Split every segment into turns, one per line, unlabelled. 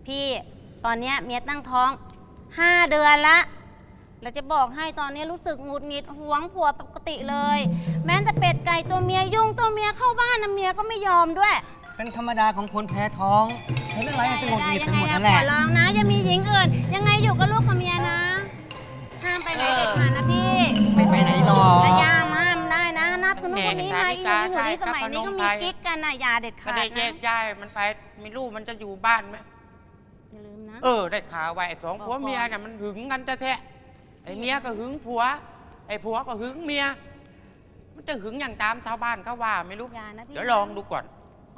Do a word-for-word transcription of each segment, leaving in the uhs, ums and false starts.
พี่ตอนนี้เมียตั้งท้องห้าเดือนละเราจะบอกให้ตอนนี้รู้สึกหงุดหงิดหวงผัวปกติเลยแม้แต่เป็ดไก่ตัวเมียยุ่งตัวเมียเข้าบ้านนะเมียก็ไม่ยอมด้วย
เป็นธรรมดาของคนแพ้ท้องเห็นอะไรมันจะหงุดหงิดไปหมดนั่นแหละ
ขอร้องนะอย่ามีหญิงอื่นยังไงอยู่กับลูกกับเมียนะห้ามไปไหนเด็ดขาดนะพี่
ไม่ไปไหนหรอก
ระยาห้ามได้นะนัดคนนู้นคนนี้มาอีกอยู่ที่สมัยนี้ก็มีกิ๊กกันนะอย่าเด็ดขาดนะ
ไม่ได้แยกย้ายมันไปไม่รู้มันจะอยู่บ้านไหม
อย่าลืมนะ
เออได้ข่าวไว้สองผัวเมียเนี่ยมันหึงกันแท้ไอ้เมียก็หึงผัวไอ้ผัวก็หึงเมียมันจะหึงอย่างตามชาวบ้านเขาว่าไม่รู้เดี๋ยวลองดูก่อน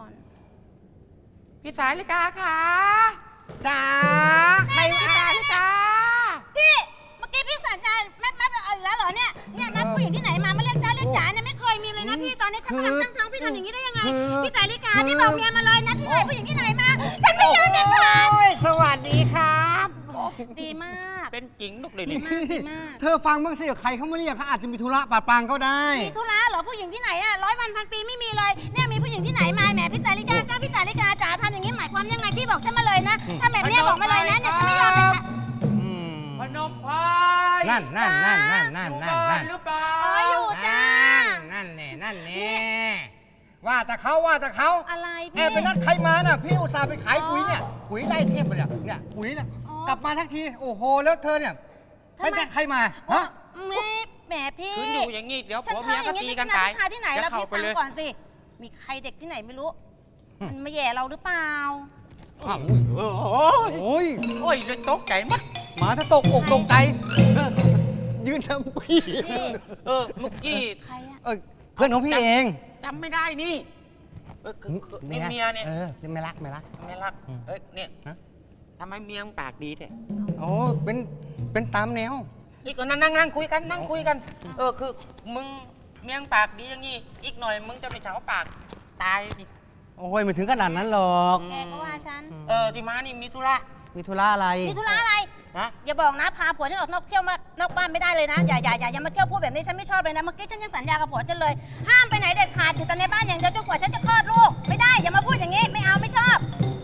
พี่สายลิกาค่ะ
จ้า
ใครพี่สายลิกาพี่เมื่อกี้พี่สัญญาณแม่แม่เอาอีกแล้วเหรอเนี่ยเนี่ยนัดผู้หญิงที่ไหนมาไม่เรียกจ้าเรียกจ๋าเนี่ยไม่เคยมีเลยนะพี่ตอนนี้ฉันกำลังตั้งท้องพี่ทำอย่างนี้ได้ยังไงพี่สายลิกาพี่บอกเมียมาเลยนัดที่ไหนผู้หญิงที่ไหนมาฉันไม่ยอมเด็ดขาด
สวัสดีครับ
ดีมาก
เป็นจริงลูกเลยนี่
เธอฟังบ้างสิใครเขาไม่เรียกเขาอาจจะมีธุระปะปางก็ได้
มีธุระเหรอผู้หญิงที่ไหนอ่ะร้อยวันพันปีไม่มีเลยเนี่ยมีผู้หญิงที่ไหนมาแหมพี่สายลิกาจ้าพี่สายลิกาจ๋าทำอย่างนี้หมายความยังไงพี่บอกฉันมาเลยนะถ้าแบบนี้บอกมาเลยนะเนี่ยฉันไม่ยอมเลยค่ะ
พนมพาย
นั่นนั่นนั่นนั่นนั่นนั่นนั่น
หรือเปล่า
อ๋ออยู่จ้า
นั่นแน่นั่นแน่ว่าแต่เขาว่าแต่เขา
อะไรพี่
แอบไปนัดใครมาน่ะพี่อุตส่าห์ไปขายปุ๋ยเนี่ยปุ๋ยไล่เทียบไปเนี่ยเนี่ยปุ๋ยเนี่ยกลับมาทักทีโอ้โหแล้วเธอเนี่ยไปนัดใครมาฮะ
ไม่แหมพี่
คืออยู่อย่างงี้เดี๋ยวผัวเมียก็ตีกันตาย
ชายที่ไหนเราพี่ฟังก่อนสิมีใครเด็กที่ไหนไม่รู้มันมาแย่เราหรือเปล่า
อ้าวโอ้ยโอ้ย
โอ้ยเลยตกใจมัด
หมาถ้าตกอกตกใจยืนทำพี่
เออเมื่อกี้
ใครอะ
เออเพื่อนของพี่เอง
จำไม่ได้นี่เออนี่เมียเนี่ย
เออไม่รักไม่รัก
ไม่รักเอ้ยเนี่ยทำไมเมียปากดีแท้
โอ้เป็นเป็นตามแนว
อีกก็นั่งนั่งคุยกันนั่งคุยกันเออคือมึงเมียปากดีอย่างงี้อีกหน่อยมึงจะไปเฉาปากตายดิ
โอ้ยไม่ถึงขนาดนั้นหรอก
แกก็ว่าฉัน
เออที่มานี่มีธุระ
มีธุระอะไร
มีธุระอะไร
นะ
อย่าบอกนะพาผัวฉันออกนอกเที่ยวมานอกบ้านไม่ได้เลยนะอย่าอย่าอย่าอย่ามาเที่ยวพูดแบบนี้ฉันไม่ชอบเลยนะเมื่อกี้ฉันยังสัญญากับผัวฉันเลยห้ามไปไหนเด็ดขาดอยู่แต่ในบ้านอย่างเดียวจนกว่าฉันจะคลอดลูกไม่ได้อย่ามาพูดอย่างนี้ไม่เอาไม่ชอบ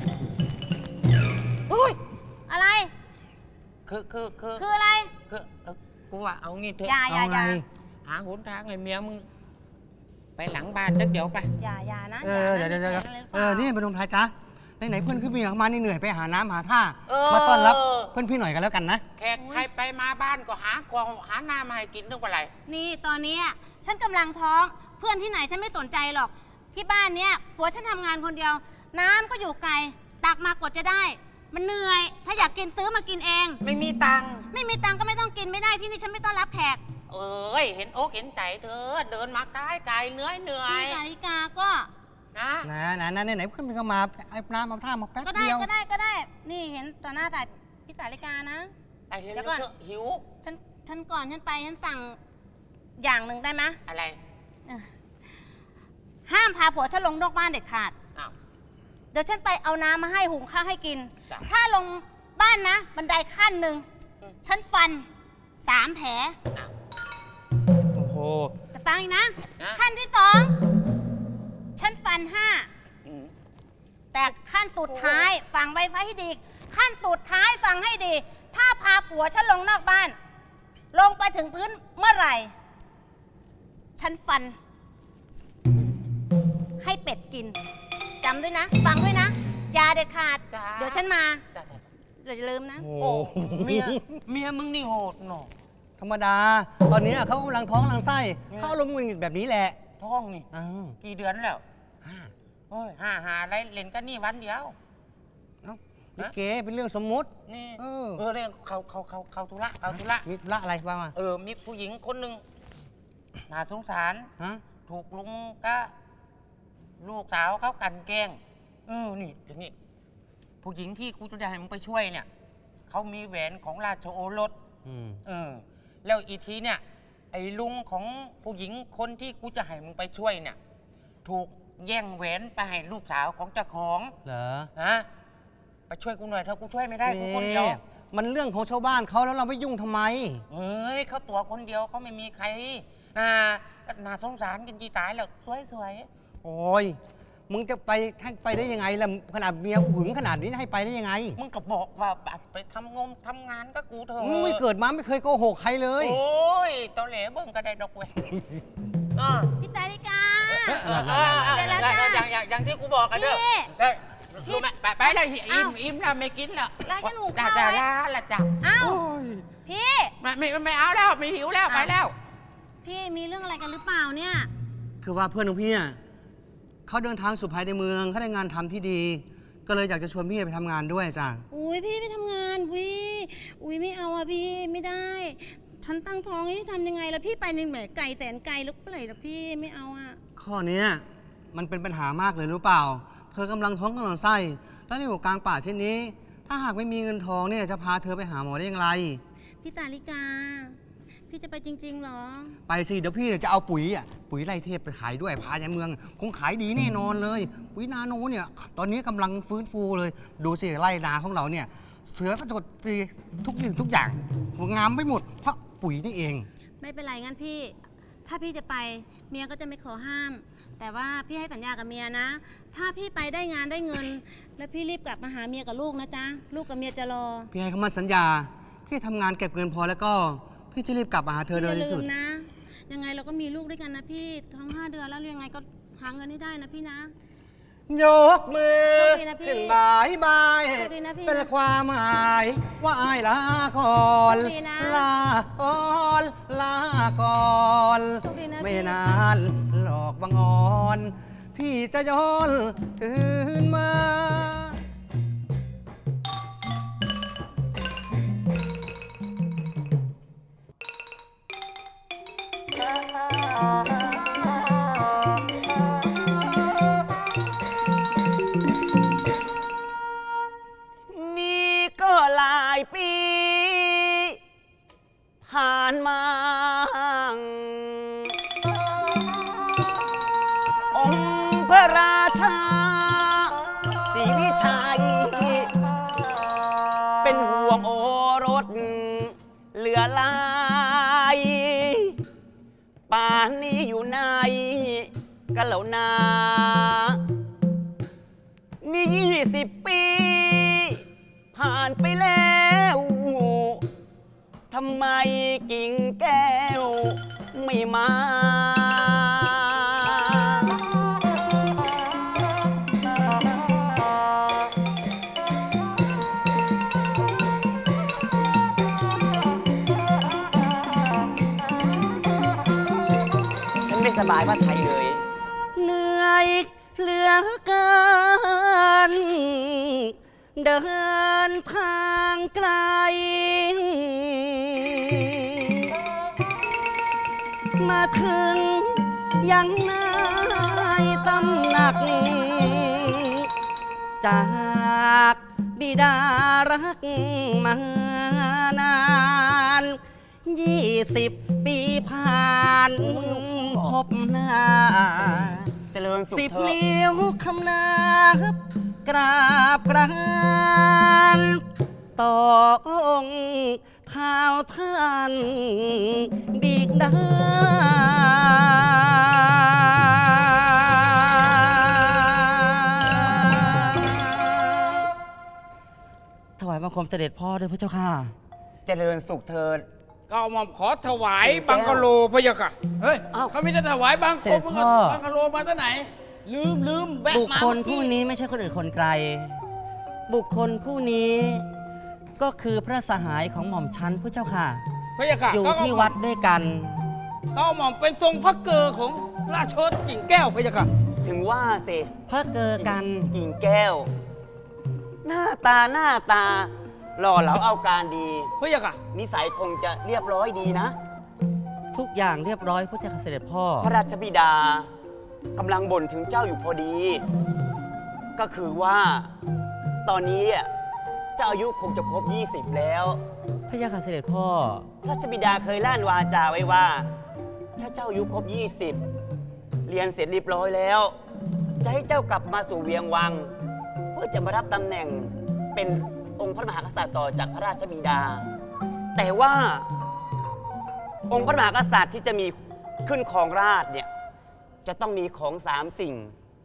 อุ้ย
อะไร
คือคือคือ
คืออะไร
คือเออกูว่าเอางี้เถอะ
อย่าอย่าอย่า
หาหนทางไอ้เมียมึงไปหลังบ้านสักเดี๋ยวไป
อย่าอย่านะ
เออเดี๋ยวเดี๋ยวเออนี่พนมไทยจ้าไหนๆเพื่อนขึ้นพี่มานี่เหนื่อยไปหาน้ำหาท่ามาต้อนรับเพื่อนพี่หน่อยกันแล้วกันนะ
แขกใครไปมาบ้านก็หาของหาน้ำมาให้กินทุกวันไร
นี่ตอนนี้ฉันกำลังท้องเพื่อนที่ไหนฉันไม่สนใจหรอกที่บ้านเนี้ยผัวฉันทำงานคนเดียวน้ำก็อยู่ไกลตักมากว่าจะได้มันเหนื่อยถ้าอยากกินซื้อมากินเอง
ไม่มีตังค์
ไม่มีตังค์ก็ไม่ต้องกินไม่ได้ที่นี่ฉันไม่ต้อนรับแขก
เอ้ยเห็นโอ๊กเห็นใจเธอเดินมาไกลไกลเหนื่อยเหนื่อย
พี่นาฬิกาก็
นะ
นะนะนะไหนๆเพื่อนพี่ก็มาไอ้น้ำมาท่ามาแป๊บ
เดียว
ก็
ได้ก็ได้นี่เห็นต่อหน้าแต่พี่สาลิกานะ
เดี๋ยวก่อนหิว
ฉันฉันก่อนฉันไปฉันสั่งอย่างหนึ่งได้ไหม
อะไร
ห้ามพาผัวฉันลงนอกบ้านเด็ดขาดเดี๋ยวฉันไปเอาน้ำมาให้หุงข้าวให้กินถ้าลงบ้านนะบันไดขั้นหนึ่งฉันฟันสามแผล
โอ้โห
แต่ฟังอีกนะขั้นที่สองฉันฟันห้าแต่ขั้นสุดท้ายฟังไว้ไฟให้ดีขั้นสุดท้ายฟังให้ดีถ้าพาผัวฉันลงนอกบ้านลงไปถึงพื้นเมื่อไหร่ฉันฟันให้เป็ดกินจำด้วยนะฟังด้วยนะอย่าเด็ดขาดเดี๋ยวฉันมาอย่าลืมนะ
โอ้เมียเมียมึงนี่โหดหนอ
ธรรมดาตอนนี้เขากำลังท้องกำลังไส้เขาลงเงินแบบนี้แหละ
ท้องนี่กี่เดือนแล้วห้าเฮ้ยห้าหาอะไรเล่นกันนี่วันเดียว
นี่เก๋เป็นเรื่องสมมุติ
นี่เออเออเรื่องเขาเขาเขาเขาธุระเขาธุระ
มีธุระอะไรบ้าง
เออมีผู้หญิงคนหนึ่งน่าสงสารถูกลุงก็ลูกสาวเขากันแกล้งเออนี่อย่างนี้ผู้หญิงที่กูจะได้ให้มึงไปช่วยเนี่ยเขามีแหวนของราชโอรสเออแล้วอีทีเนี่ยไอ้ลุงของผู้หญิงคนที่กูจะให้มึงไปช่วยเนี่ยถูกแย่งแหวนไปให้ลูกสาวของเจ้าของ
เหรอ
ฮะไปช่วยกูหน่อยถ้ากูช่วยไม่ได้กูคนเดียว
มันเรื่องของชาวบ้านเขาแล้วเราไม่ยุ่งทำไม
เฮ้ยเขาตัวคนเดียวเขาไม่มีใครน่าน่าสงสารกันจีตายแล้วสวยๆ
โอ้ยมึงจะไปให้ไปได้ยังไงล่ะขนาดเมียหึงขนาดนี้ให้ไปได้ยังไง
มึงก็บอกว่าไปทำงมทำงานก็กูเถอะ
มึงไม่เกิดมาไม่เคยโกหกใครเลย
โอ้ยตอแหลเบิ่งก็ได้ดอกเว้ยอ่า
พี่สาริกา
อ
เดี๋ยวแล้วจ้ะ
ย่างอย่างอย่างที่กูบอกกันเด้อ
พี่
เด้อรู้ไหมไปไปเลยอิ่
อ้าม ว
อิ่มแล้วไม่กินแล้ว
ร้านฉันหุง
จ้า
ข้าว
จ้า
ไว้
ลาละจ้ะ
อ้าว
โอ้ย
พี่
ไม่ไม่ไม่เอาแล้วไม่หิวแล้วไปแล้ว
พี่มีเรื่องอะไรกันหรือเปล่าเนี่ย
คือว่าเพื่อนของพี่อ่ะเขาเดินทางสู่ภายในเมืองเขาได้งานทำที่ดี ก็เลยอยากจะชวนพี่ไปทำงานด้วยจ้ะ
อุ้ยพี่ไปทำงานวิอุ้ยไม่เอาอะพี่ไม่ได้ ฉันตั้งท้องให้ทำยังไงล่ะพี่ไปในแหมไก่แสนไกลแล้วเปล่าล่ะพี่ไม่เอาอะ
ข้อเนี้ยมันเป็นปัญหามากเลยรู้เปล่า เธอกำลังท้องกำลังไส้แล้วในหัวกลางป่าเช่นนี้ ถ้าหากไม่มีเงินทองเนี่ยจะพาเธอไปหาหมอได้อย่างไร
พี่สาริกา พี่จะไปจริงๆเหรอ
ไปสิเดี๋ยวพี่เนี่ยจะเอาปุ๋ยอ่ะปุ๋ยไร่เทพไปขายด้วยพาในเมือง คงขายดีแน่นอนเลย ปุ๋ยนาโนเนี่ยตอนนี้กำลังฟื้นฟูเลย ดูสิไร่นาของเราเนี่ยเสือกระจดสีทุกอย่างทุกอย่างงามไปหมดเพราะปุ๋ยนี่เอง
ไม่เป็นไรงั้นพี่ ถ้าพี่จะไปเมียก็จะไม่ขอห้าม แต่ว่าพี่ให้สัญญากับเมียนะ ถ้าพี่ไปได้งานได้เงิน แล้วพี่รีบกลับมาหาเมียกับลูกนะจ๊ะลูกกับเมียจะรอ
พี่ให้คำมั่นสัญญา พี่ทำงานเก็บเงินพอแล้วก็ พี่จะรีบกลับมาหาเธอโดย
อย่า
ที่
ลื
สุด
มนะ ยังไงเราก็มีลูกด้วยกันนะพี่ท้องห้าเดือนแล้วยังไงก็หาเงินให้ได้นะพี่นะ
ยกมือ
โชคดีนะพี่
ขึ้นบายบาย
โชคดีนะพี่
เป็นความหมายว่าอายลาก่อน
โชคดีนะ
ลาก่อนลาก่อน
โชคดีนะพี่
ไม่นานหลอกบังอ่อน พี่จะย้อนคืนมา
นี่ก็หลายปี ผ่านมา องค์พระราชาศรีวิชัย เป็นห่วงโอรสเหลือหลาย ป่านนี้อยู่ในกันแล้วนา นี่ยี่สิบปี ผ่านไปแล้ว ทำไมกิ่งแก้ว ไม่มา ฉันไม่สบายว่าไทยเลย
เหนื่อยเหลือเกิน เดินทางไกล มาถึงยังนายตำหนัก จากบิดารักมานานยี่สิบปีผ่านพบหน้า
เจริญสุข
สิบ
เถอะ
นิ้วคำนับกราบกรานต่อองค์เท้าท่านบิดาถวายบังคมเสด็จพ่อด้วยพระเจ้าค่ะ
เจริญสุขเถิด
ก็เอาหม่อมขอถวายบังกะโลพะยะค่ะ เฮ้ย
อ้าว
เขาไม่ได้ถวายบัง
เสด็จ
มึง
พ่อ
บังกะโลมาตั้งไหน ลืมลืมแวะ
บุค
มา
คล
เมื่อ
ผู้
กี้
นี้ไม่ใช่คนอื่นคนไกล บุคคลผู้นี้ก็คือพระสหายของหม่อมชันพระเจ้าค่ะ
พะยะค่ะ
อยู่
ก็เอา
ที่วัดด้วยกัน
ก็เอาหม่อมเป็นทรงพระเกอของราชโอษกิ่งแก้วพะยะค่ะ
ถึงว่าสิ
พระเกอกัน
กิ่งแก้ว หน้าตาหน้าตา หล่อเหลาเอาการดี
พะยะค่ะ
นิสัยคงจะเรียบร้อยดีนะ
ทุกอย่างเรียบร้อยพระเจ้าค่ะเสด็จพ่อ
พระราชบิดากำลังบ่นถึงเจ้าอยู่พอดี ก็คือว่า ตอนนี้เจ้าอายุคงจะครบ ยี่สิบ แล้ว
พระเจ้าค่ะเสด็จพ่อ
พระราชบิดาเคยล่านวาจาไว้ว่า ถ้าเจ้าอายุครบ ยี่สิบ เรียนเสร็จเรียบร้อยแล้ว จะให้เจ้ากลับมาสู่เวียงวัง เพื่อจะมารับตำแหน่งเป็นองค์พระมหากษัตริย์ต่อจากพระราชบิดา แต่ว่าองค์พระมหากษัตริย์ที่จะมีขึ้นครองราชย์เนี่ยจะต้องมีของสามสิ่ง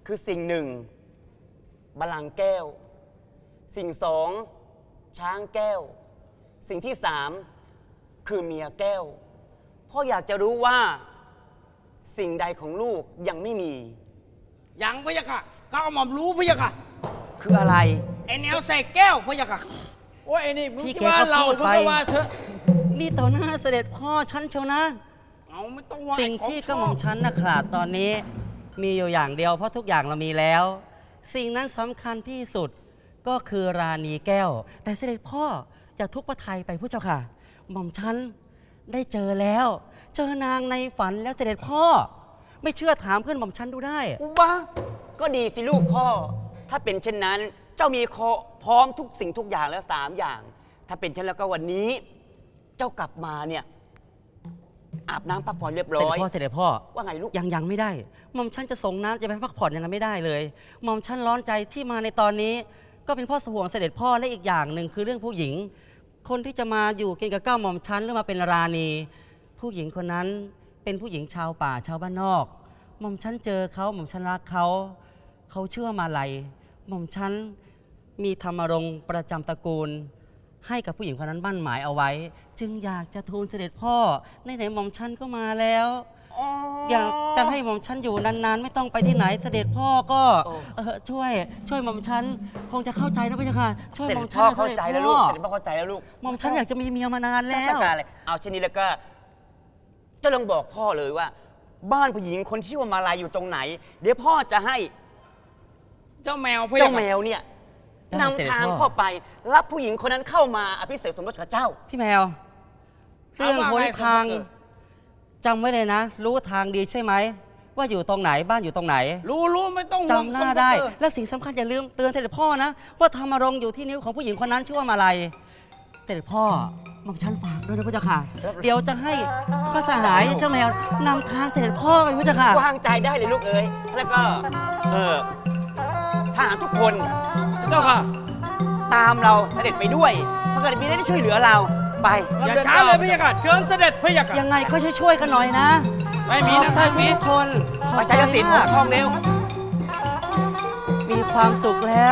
คือสิ่งหนึ่งบัลลังก์แก้ว สิ่งสองช้างแก้ว สิ่งที่สามคือเมียแก้วพ่ออยากจะรู้ว่าสิ่งใดของลูกยังไม่มี
ยังพะยะค่ะก้าวหม่อมรู้พะยะค่ะ
คืออะไร
ไอแนวใส่แก้วพะยะค่ะ
โอ้ยไอ้นี่มึง
พี่
จะ
แก
ว่า
ก็
เรา
พูด
มึง
ไป
ก็ว่าเถอะ
นี่ต่อหน้าเสด็จพ่อฉันเชียวนะ
เอาไม่ต้องว่า
สิ่ง
ของ
ที่
ช
กระ
อบ
หม่อมฉันนะขาดตอนนี้ มีอยู่อย่างเดียวเพราะทุกอย่างเรามีแล้ว สิ่งนั้นสำคัญที่สุดก็คือราณีแก้ว แต่เสด็จพ่ออย่าทุกข์พระทัยไปผู้เจ้าค่ะ หม่อมฉันได้เจอแล้ว เจอนางในฝันแล้วเสด็จพ่อ ไม่เชื่อถามเพื่อนหม่อมฉันดูได้
อุบ้าก็ดีสิลูกพ่อ ถ้าเป็นเช่นนั้นเจ้ามีคอพร้อมทุกสิ่งทุกอย่างแล้วสามอย่าง ถ้าเป็นเช่นแล้วก็วันนี้ เจ้ากลับมาเนี่ยอาบน้ำพักผ่อนเรียบ
เส
ร้
ด็จ
อย
พ่อเสด็จพ่อ
ว่าไงลูก
ยังยังไม่ได้ หม่อมฉันจะส่งน้ำจะไปพักผ่อนยังไงไม่ได้เลย หม่อมฉันร้อนใจที่มาในตอนนี้ ก็เป็นเพ่อห่วงเสด็จพ่อและอีกอย่างหนึ่งคือเรื่องผู้หญิง คนที่จะมาอยู่กินกับเก้าหม่อมฉันหรือมาเป็นราณี ผู้หญิงคนนั้นเป็นผู้หญิงชาวป่าชาวบ้านนอก หม่อมฉันเจอเขาหม่อมฉันรักเขา เขาเชื่อมาลัยหม่อมฉันมีธรรมรงค์ประจำตระกูล ให้กับผู้หญิงคนนั้นมั่นหมายเอาไว้ จึงอยากจะทูลเสด็จพ่อในไหนๆหม่อมฉันก็มาแล้ว อยากจะให้หม่อมฉันอยู่นานๆ ไม่ต้องไปที่ไหนเสด็จพ่อก็
โอ้
เออช่วย ช่วยหม่อมฉันคงจะเข้าใจนะพี่เจ้าค่ะช่วย
เส
ห
ด็
ม่อม
จ
ฉัน
พ่อ
นะ
เข้าใจแล้วลูกเสด็จพ่อเข้าใจแล้วลูก
หม่อมฉันอยากจะมีเมียมานาน
เจ้า
แล้
ต้อ
ว
งการอะไรเอาเช่นนี้แล้วก็เจ้าลองบอกพ่อเลยว่า บ้านผู้หญิงคนที่ชื่อว่ามาลายอยู่ตรงไหน เดี๋ยวพ่อจะให้
เจ้าแมวพะยะ
เจ้า
ค่ะ
แมวเนี่ย
ได้
นำ
เสด็จ
ทาง
พ่อ
พ่อไป รับผู้หญิงคนนั้นเข้ามาอภิเษกสมรสกับเจ้า
พี่แมว เรื่องหนทางจำไว้เลยนะ รู้ทางดีใช่ไหมว่าอยู่ตรงไหนบ้านอยู่ตรงไหน
รู้รู้ไม่ต้องห่วง
จำหน้าได้ และสิ่งสำคัญอย่าลืมเตือนเสด็จพ่อนะ ว่าธรรมรงค์อยู่ที่นิ้วของผู้หญิงคนนั้นชื่อว่ามาลัยเสด็จพ่อหม่อมฉันฝากด้วยนะพระเจ้าค่ะ เดี๋ยวจะให้พระสหายเจ้าแมวนำทางเสด็จพ่อไปพระเจ้าค่ะ
วางใจได้เลยลูกเอ๋ยแล้วก็ เออทหารทุกคน
เจ้าค่ะ
ตามเราเสด็จไปด้วยถ้าเกิดมีอะไรได้ช่วยเหลือเราไป
อย่าช้าเลยพะยะค่ะเชิญเสด็จพะยะค่ะ
ยังไงก็ช่วยๆกันหน่อยนะ
ไม่มี
ขอบ
นะ
ใจ
ไม่มี
ทุกคนขอบ
ไป
ใจ
ใจสินหัว
มาก
ทองเร็ว
มีความสุขแล้ว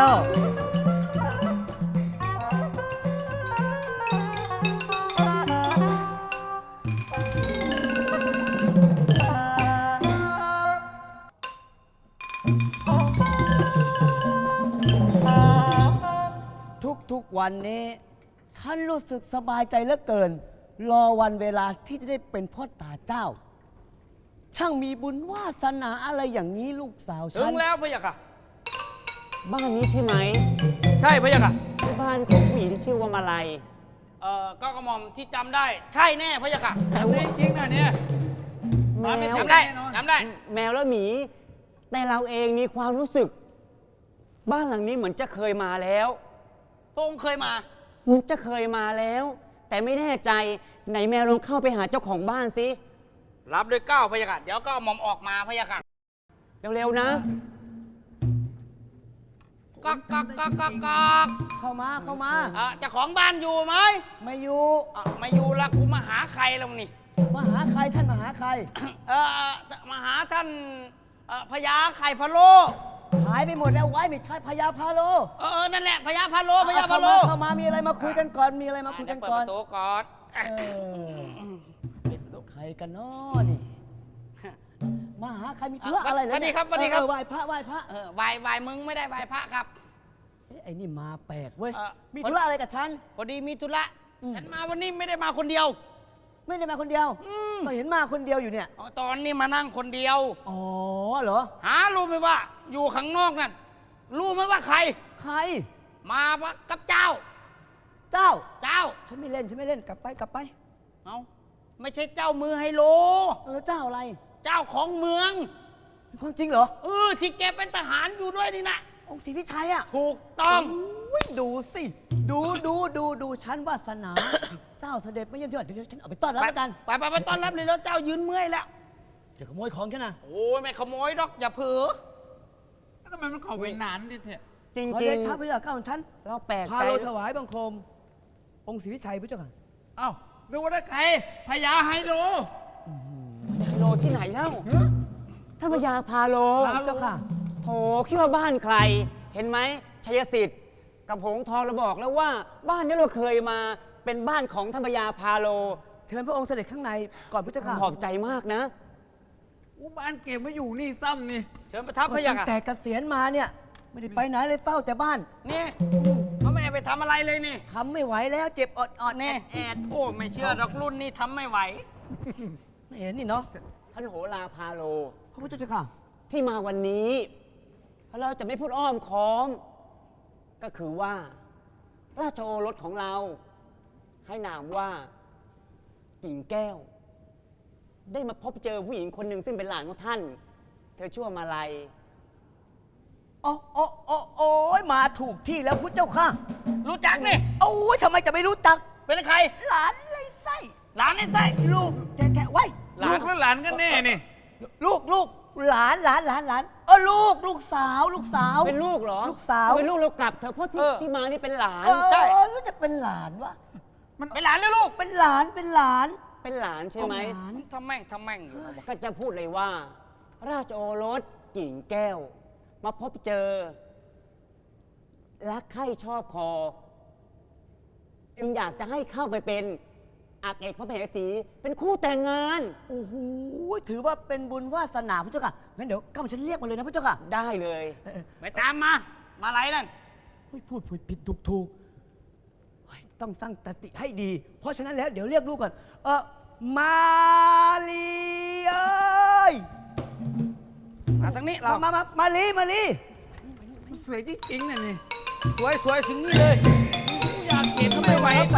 ทุกๆวันนี้ ฉันรู้สึกสบายใจเหลือเกิน รอวันเวลาที่จะได้เป็นพ่อตาเจ้า ช่างมีบุญวาสนาอะไรอย่างนี้ลูกสาว
ถึ
ฉั
ง
น
แล้วพะยะค่ะ
บ้านนี้ใช่ไหม
ใช่พะยะค่ะ
ที่บ้านของผู้หญิงที่ชื่อว่ามาลัย
เอ่อก็กระหม่อมที่จำได้ ใช่แน่พะยะค่ะ
แต่ว่า
จริงๆนะเนี่ย
แมว
จำได้จำได้
แมวและหมี แต่เราเองมีความรู้สึก บ้านหลังนี้เหมือนจะเคยมาแล้ว
พระองค์เคยมา
เหมือนจะเคยมาแล้ว แต่ไม่แน่ใจไหนแมวลองเข้าไปหาเจ้าของบ้านสิ
รับด้วยเก้าพะยะค่ะเดี๋ยวก็หม่อมออกมาพะยะค่ะ
เร็วๆนะ
กักกักกักกักกัก
เข้ามาเข้ามา
เอ่อเจ้าของบ้านอยู่ไหม
ไม่อยู่
อ่ะไม่อยู่ละกูมาหาใครแล้วนี่
มาหาใครท่านมาหาใคร
เออเอ่อจะมาหาท่านเอ่อพญาไข่พะโล้
หายไปหมดแล้วไว้ไม่ใช่พญาพาโล
เออเออนั่นแหละพญาพะโล้พญา
เข้า
พะโล้
มาเข้ามามีอะไรมาคุยกันก่อนมีอะไรมาคุยกัน
เปิด
ก่อ
ป
น
ระตูก่อน
เออใครกันน้อนี่มาหาใครมีธุระอะไรเหรอ
สวัสดี
เนี่ย
ครับสวัสดีครับ
เออไหว้พระไหว้พระ
เออวายวายมึงไม่ได้วายพระครับ
เอ๊ะไอ้นี่มาแปลกเว้ย
เอ่อ
มีธุระอะไรกับฉัน
พอดีมีธุระ
อืม
ฉันมาวันนี้ไม่ได้มาคนเดียว
ไม่ได้มาคนเดียว
อืม
ก็เห็นมาคนเดียวอยู่เนี่ย
อ๋อตอนนี้มานั่งคนเดียว
อ๋อเหรอ
หารู้ไหมว่า อยู่ข้างนอกนั่นรู้ไหมว่าใคร
ใคร
มาปะกับเจ้า
เจ้า
เจ้า
ฉันไม่เล่นฉันไม่เล่นกลับไปกลับไป
เอาไม่ใช่เจ้ามือไฮโล
แล้วเจ้าอะไร
เจ้าของเมือง
เป็นความจริงเหรอ
เออที่แกเป็นทหารอยู่ด้วยนี่นะ
องค์ศรีวิชัยอ่ะ
ถูกต้อง
อุ๊ยดูสิดูดูดูดูฉันวาสนา เจ้าเสด็จมาเยี่ยมที่บ้านเดี๋ยวฉันเอาไปต้อนรับแล้วกัน
ไปไปไปต้อนรับเลยแล้วเจ้ายืนเมื่อยแล้ว
จะขโมยของฉันนะ
โอ้ยไม่ขโมยดอกอย่าเผลอ
ทำไมมันเข้าไปนานดิเถอะ
จริง
ขอ
จริ
เด
ง
ชะพระเจ้าข้าของฉัน
เราแปลก
พา
ใจ
เราถวายบังคม องค์ศรีวิชัยพระเจ้าค่ะ
เอ้านึกว่าได้ใครพญาไฮโล
พาโลที่ไหนเล่าท่านพญาพาโล
พระเจ้าค่ะ
โถคิดว่าบ้านใคร เห็นไหมชัยสิทธิ์กับหงส์ทองเราบอกแล้วว่าบ้านนี้เราเคยมาเป็นบ้านของธรรมยาพาโล
เชิญพระองค์เสด็จข้างในก่อนพระเจ้าค่ะ
ขอบใจมากนะ
อุบ้านเก็บมาอยู่นี่ซ้ำนี่
เชิญประทับพระยา
ตั้
ค่ะ
งแต่เกษียณมาเนี่ย ไม่ได้ไปไหนเลยเฝ้าแต่บ้าน
นี่เขาไม่ไปทำอะไรเลยนี่
ทำไม่ไหวแล้วเจ็บอดอดๆแอ
นี่
ดแอด
โอ้ไม่เชื่อดอกรุ่นนี่ทำไม่ไหว
ไม่เห็นนี่เนาะ
ท่านโหราพาโล
พระพุทธเจ้าค่ะ
ที่มาวันนี้เราจะไม่พูดอ้อมค้อม ก็คือว่า ราชโอรสของเรา ให้นามว่ากิ่งแก้ว ได้มาพบเจอผู้หญิงคนหนึ่งซึ่งเป็นหลานของท่าน เธอชื่อว่ามาลัย
โอ้โอ้โอ้โอ้ยมาถูกที่แล้วพุทธเจ้าค่ะ
รู้จักนี่
โอ้ยทำไมจะไม่รู้จัก
เป็นใคร
หลานไรไส้
หลานไอ้ไส้
ลูกแท้ๆไว้
หลา
ลู
น
กและหลานกันแน่นี่
ลูกลูกหลานหลานหลานหลานเออลูกลูกสาวลูกสาว
เป็นลูกเหรอ
ลูกสาว
เป็นลูกเรากลับเธอะเพราะที่ที่มานี่เป็นหลาน
เออ
ใช่
แล้วจะเป็นหลานวะ
เป็นหลานหรือลูก
เป็นหลานเป็นหลาน
เป็นหลานใช่ไหม
หลาน
ทำแม่งทำแม่งอยู่
ก็จะพูดเลยว่า ราชโอรสกิ่งแก้ว มาพบเจอ รักใคร่ชอบคอ จึงอยากจะให้เข้าไปเป็นอักเอกพระมเหสี เป็นคู่แต่งงาน
โอ้โหถือว่าเป็นบุญวาสนาพุทธเจ้าค่ะงั้นเดี๋ยวก้าวฉันเรียกมาเลยนะพุทธเจ้าค่ะ
ได้เลย
เออเออ
ไปตามมา มาไรนั่น
เฮ้ยพูดผิดผิดถูกถูกเฮ้ยต้องสร้างตติให้ดี เพราะฉะนั้นแล้วเดี๋ยวเรียกลูกก่อนเออมาลีเอ้ย
มาทางนี้เรา
มามามามาลีมาลี
มันสวยจริงๆน่ะนี่
สวยสวยถึงนี่เลย
อยากเห็นทำไมไหว
ไป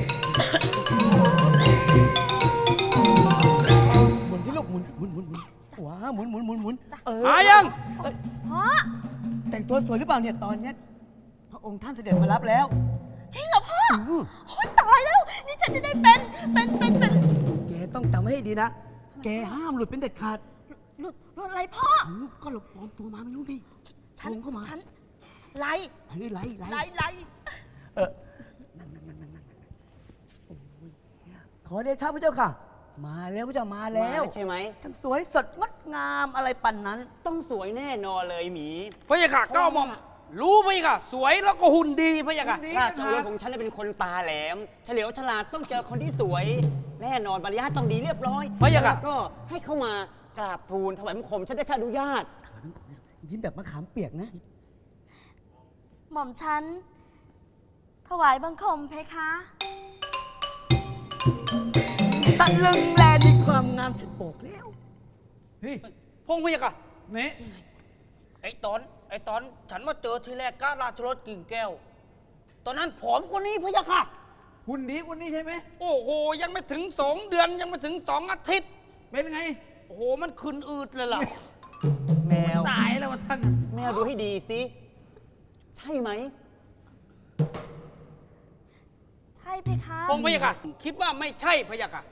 หมุนที่ลูกหมุนหมุนหมุนหมุนว้าหมุนหมุนหมุนหมุนเออ
มายัง
เอ้ย
พ่อ
แต่งตัวสวยหรือเปล่าเนี่ยตอนเนี้ยพระองค์ท่านเสด็จมารับแล้ว
จริงเหรอพ่อ
อื้อ
โอ๊ยตายแล้ว นี่ฉันจะได้เป็น เป็น เป็น เป็น
แกต้องจำไว้ให้ดีนะ แกห้ามหลุดเป็นเด็ดขาด
หลุดหลุดอะไรพ่อ
อ้าวก็หลบปลอมตัวมาไม่รู้ไง
ฉัน
ลงเข้ามา
ฉันไล่
ไล่ไล่ไล่
ไล่ไล่
เออนั่งนั่งนั่งนั่งนั่งโอ้ยขอเดชะพระเจ้าค่ะ มาแล้วพระเจ้ามาแล้ว
มาใช่ไหม
ทั้งสวยสดงดงามอะไรปันนั้น
ต้องสวยแน่นอนเลยหมี
พระยาค่ะก้าวมอม รู้พระยาค่ะ สวยแล้วก็หุ่นดีพระยาค่ะ
ราชโอรสของฉันน่ะเป็นคนตาแหลม เฉลียวฉลาดต้องเจอคนที่สวย แน่นอนมารยาทต้องดีเรียบร้อย
พระยาค่ะ
แล้วก็ให้เข้ามากราบทูลถวายบังคมฉันได้ชาอนุญาต
ยิ้มแบบมะขามเปียกนะ
หม่อมฉัน ถวายบังคมเพคะ
ตะลึงแลในความงามฉันบอกแล้ว
เฮ้ย
พงพระยาค่ะ
นี่
ไอ้ตอน ไอ้ตอนฉันมาเจอทีแรกก็ราชรถกิ่งแก้ว ตอนนั้นผอมกว่านี้พระยาค่ะ
หุ่นดีกว่านี้ใช่ไหม
โอ้โห ยังไม่ถึงสองเดือนยังไม่ถึงสองอาทิตย์
เป็นไง
โอ้โห มันขึ้นอืดเลยล่ะ
แมว
ตายแล้ววะท่าน
แมวดูให้ดีสิ ใช่ไหม
ใช่เพคะ
พงพระยาค่ะ คิดว่าไม่ใช่พระยาค่ะ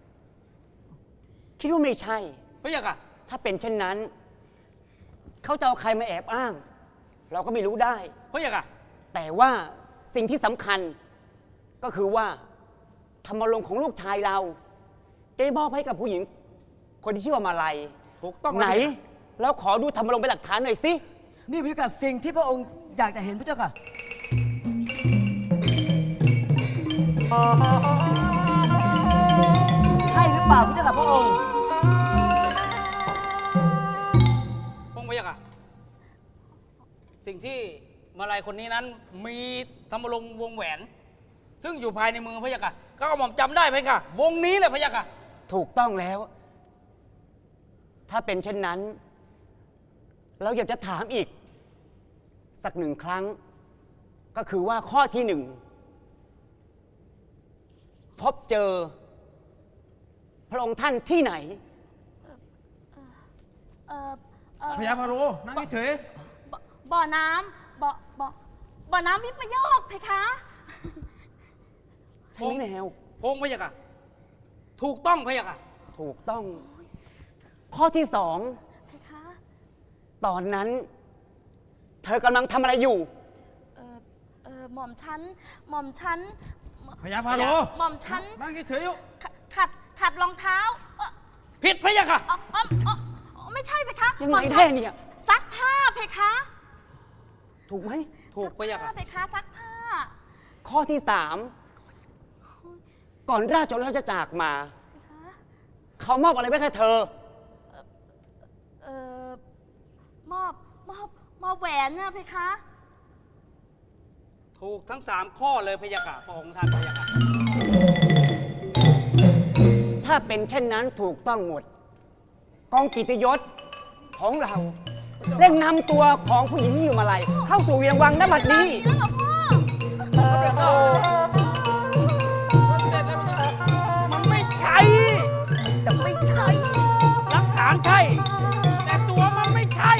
คิดว่าไม่ใช่
พระยาค่ะ
ถ้าเป็นเช่นนั้น เขาจะเอาใครมาแอบอ้าง เราก็ไม่รู้ได้
พระยาค่ะ
แต่ว่าสิ่งที่สำคัญก็คือว่าธรรมรงค์ของลูกชายเรา ได้มอบให้กับผู้หญิง คนที่ชื่อว่ามาลัย
ถูกต้อง
ไหน
แล้ว
เราขอดูธรรมรงค์เป็นหลักฐานหน่อยสิ
นี่พิกัดสิ่งที่พระองค์อยากจะเห็นพระเจ้าค่ะ ใช่หรือเปล่าพระเจ้าค่ะพระองค์
พงพระยาค่ะ สิ่งที่มาลายคนนี้นั้นมีธรรมรงค์วงแหวน ซึ่งอยู่ภายในมือพระยาค่ะก็เอาหม่อมจำได้ไหมค่ะ วงนี้แหละพระยาค่ะ
ถูกต้องแล้ว ถ้าเป็นเช่นนั้น เราอยากจะถามอีก สักหนึ่งครั้ง ก็คือว่าข้อที่หนึ่ง พบเจอ พระองค์ท่านที่ไหน
เออเออ
พญาพาโรนั่งเฉย
บ่บ่อน้ำบ่อบ่อบ่อน้ำวิปโยคเพคะ
ใช่ไหมแมว
พงพระยาค่ะ ถูกต้องพระยาค่ะ
ถูกต้อง ข้อที่สอง
เพคะ
ตอนนั้น เธอกำลังทำอะไรอยู่
เออเออหม่อมฉัน หม่อมฉัน
พญาพาโร
หม่อมฉัน
นั่งเฉยๆอยู่
ขัดขัดขัดรองเท้าเอ่อ
ผิดพระยาค่ะ
อ๋ออ๋ออ๋ออ๋อไม่ใช่เพคะ
ยัง
หม่
ไง
อมฉั
แท้เนี่ย
ซักผ้าเพเพคะ
ถูกไหม
ถูกพะยะ
ผ้า
ค่ะ
เพคะซักผ้า
ข้อที่สามก่อนราชโอรสจะจากมา
เพคะ
เขามอบอะไรไว้ให้เธอ
เอ่อมอบมอบมอบแหวนนะเพคะ
ถูกทั้งสามข้อเลยพะยะค่ะพระองค์ท่านพะยะค่ะ
ถ้าเป็นเช่นนั้นถูกต้องหมด กองกิตติยศของเราเร่งนำตัวของผู้หญิงที่อยู่มาลัยเข้าสู่เวียงวังณบัดนี้
แล้วเหรอพ่อ
มันไม่ใช่
แต่ไม่ใช่
หลักฐานใช่ แต่ตัวมันไม่ใช่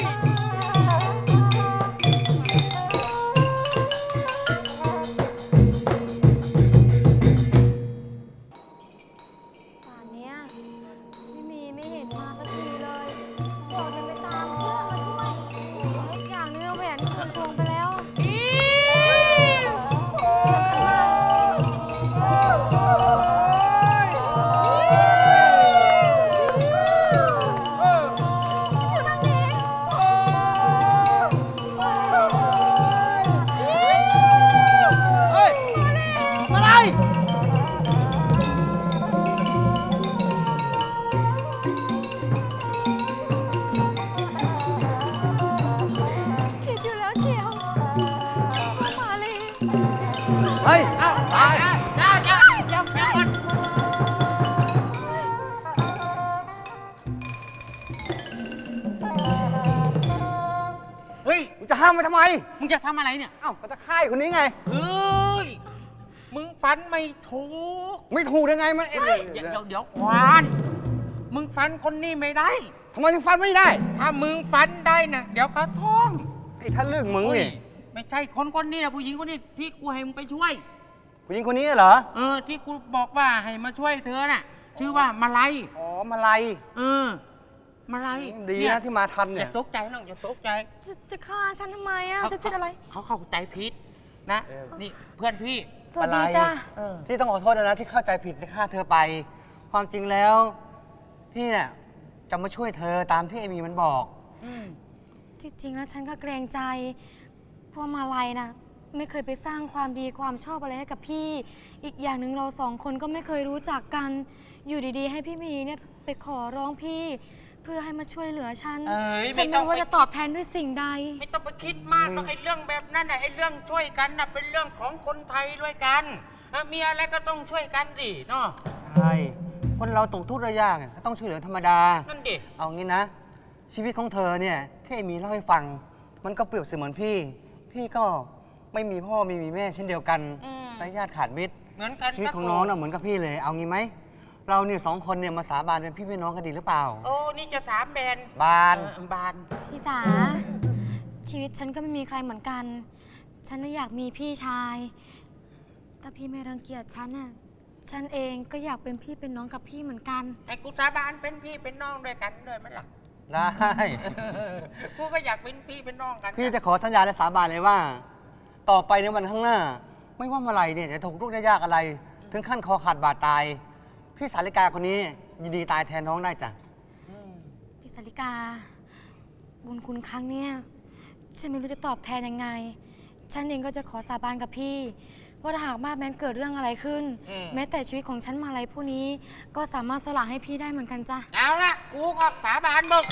ป่านเนี้ยไม่มีไม่เห็นมาสักทีเลยบอกจะไปตามเพื่อนมาช่วยอีกอย่างหนึงเอาแหวนคืนทวงไปแล้วอีสำคัญมากอยู่ทางนี้
เฮ้ย อะไร
คิดอยู่แล้วเชียวว่ามาเลย
เฮ้ย
เอ้าตายจ้าจ้าเดี๋ยวเดี๋ยวก่อน เฮ้ย
มึงจะห้ามมันทำไม
มึงจะทำอะไรเนี่ย
เอ้าก็จะฆ่าไอ้คนนี้ไง
เฮ้ย มึงฟันไม่ถูก
ไม่ถูกยังไงมันเอ๊ะ
เดี๋ยวเดี๋ยวเดี๋ยวควาน มึงฟันคนนี้ไม่ได้
ทำไมถึงฟันไม่ได้
ถ้ามึงฟันได้นะเดี๋ยวเขาท้อง
ไอ้ท่านเรื่องมึง
อุ้ย
นี่
ไม่ใช่คนคนนี้นะผู้หญิงคนนี้ที่กูให้มึงไปช่วย
ผู้หญิงคนนี้เหรอ
เออ ที่กูบอกว่าให้มาช่วยเธอน่ะ ชื่อว่ามาลัย
อ๋อ มาลัย
เออ มาลัย
ดี
เย
นะที่มาทัน
อ
เนี่ย
ย่าตกใจน้องอย่าตกใจ
จะจะฆ่าฉันทำไมอ่ะ
เขา
ฉันผิดอะไร
เขาเข้าใจผิดนะ
เออ
นี่เพื่อนพี่
สวัสดี
อะไร
จ้า
เออ
พี่ต้องขอโทษนะที่เข้าใจผิดในฆ่าเธอไป ความจริงแล้ว พี่เนี่ยจะมาช่วยเธอตามที่เอมี่มันบอก
อืม
ที่จริงแล้วฉันก็เกรงใจเพราะมาลัยนะไม่เคยไปสร้างความดีความชอบอะไรให้กับพี่ อีกอย่างหนึ่งเราสองคนก็ไม่เคยรู้จักกัน อยู่ดีๆ ให้พี่มีเนี่ยไปขอร้องพี่ เพื่อให้มาช่วยเหลือฉัน
เอ้ย
ฉั
ไม่
น
ต้
ไม่
อง
รู้ว่า
ไป
จะตอบแทนด้วยสิ่งใด
ไม่ต้องไปคิดมากหรอกไอ้เรื่องแบบนั้นน่ะไอ้เรื่องช่วยกันน่ะเป็นเรื่องของคนไทยด้วยกันอ่ะมีอะไรก็ต้องช่วยกันดิเนาะ
ใช่ คนเราตกทุกข์ระยากก็ต้องช่วยเหลือธรรมดา
นั่นดิ
เอางี้นะ ชีวิตของเธอเนี่ยที่เอมี่เล่าให้ฟัง มันก็เปรียบเสมือนพี่ พี่ก็ไม่มีพ่อไม่มีแม่เช่นเดียวกัน
อืม
และญาติขาดมิตร
เหมือนกัน
ชีวิตของน้องน่ะเหมือนกับพี่เลย เอางี้ไหม เราเนี่ยสองคนเนี่ยมาสาบานเป็นพี่เป็นน้องกันดีหรือเปล่า
โอ้นี่จะสามแบน
บาน
เออบาน
พี่จ๋าชีวิตฉันก็ไม่มีใครเหมือนกัน ฉันน่ะอยากมีพี่ชาย ถ้าพี่ไม่รังเกียจฉันน่ะฉันเองก็อยากเป็นพี่เป็นน้องกับพี่เหมือนกัน
ให้กูสาบานเป็นพี่เป็นน้องด้วยกันด้วยไหมล่ะ
ได้
กูก็อยากเป็นพี่เป็นน้องกัน
พี่จะขอสัญญาและสาบานเลยว่า ต่อไปในวันข้างหน้า ไม่ว่าเมื่อไหรเนี่ยจะถูกทุกข์ได้ยากอะไร ถึงขั้นคอขาดบาดตาย พี่สาริกาคนนี้ยินดีตายแทนน้องได้จ้ะ
อืม
พี่สาริกา บุญคุณครั้งเนี้ยฉันไม่รู้จะตอบแทนยังไง ฉันเองก็จะขอสาบานกับพี่ ว่าถ้าหากมาแม้นเกิดเรื่องอะไรขึ้น
อืม
แม้แต่ชีวิตของฉันมาอะไรผู้นี้ ก็สามารถสละให้พี่ได้เหมือนกันจ้ะ
เอาละกูก็สาบานมึง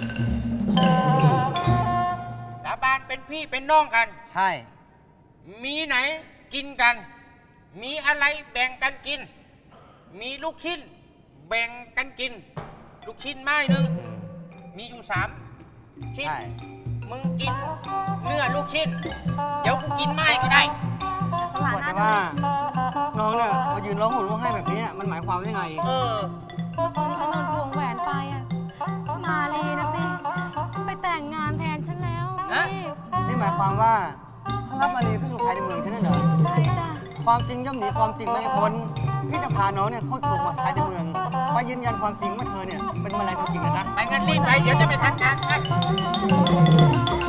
สาบานเป็นพี่เป็นน้องกัน
ใช่
มีไหนกินกัน มีอะไรแบ่งกันกิน มีลูกชิ้น แบ่งกันกิน ลูกชิ้นไม้หนึ่งมีอยู่สามชิ้น
ใช่
มึงกินเนื้อลูกชิ้น เดี๋ยวกูกินไม้ก็ได้
สละ
บอก
หน้า
แต่ว่า น้องเนี่ยมายืนร้องห่มร้องไห้แบบนี้น่ะมันหมายความว่ายังไง
เออ
ตอนที่ฉันโดนโกงแหวนไปอะมาลีนะสิ ไปแต่งงานแทนฉันแล้ว
ฮะ
พี่
นี่หมายความว่าถ้ารับมารีเข้าสู่ภายในเมืองใช่ไหมเหรอ
ใช่จ้ะ
ความจริงย่อมหนีความจริงไม่พ้นพี่จะพาน้องเนี่ยเข้าสู่ภายในเมืองไปยืนยันความจริงว่าเธอเนี่ยเป็นมาลัยตัวจริงนะจ๊ะ
ไปงั้นรีบไป เดี๋ยวจะไม่ทันการไป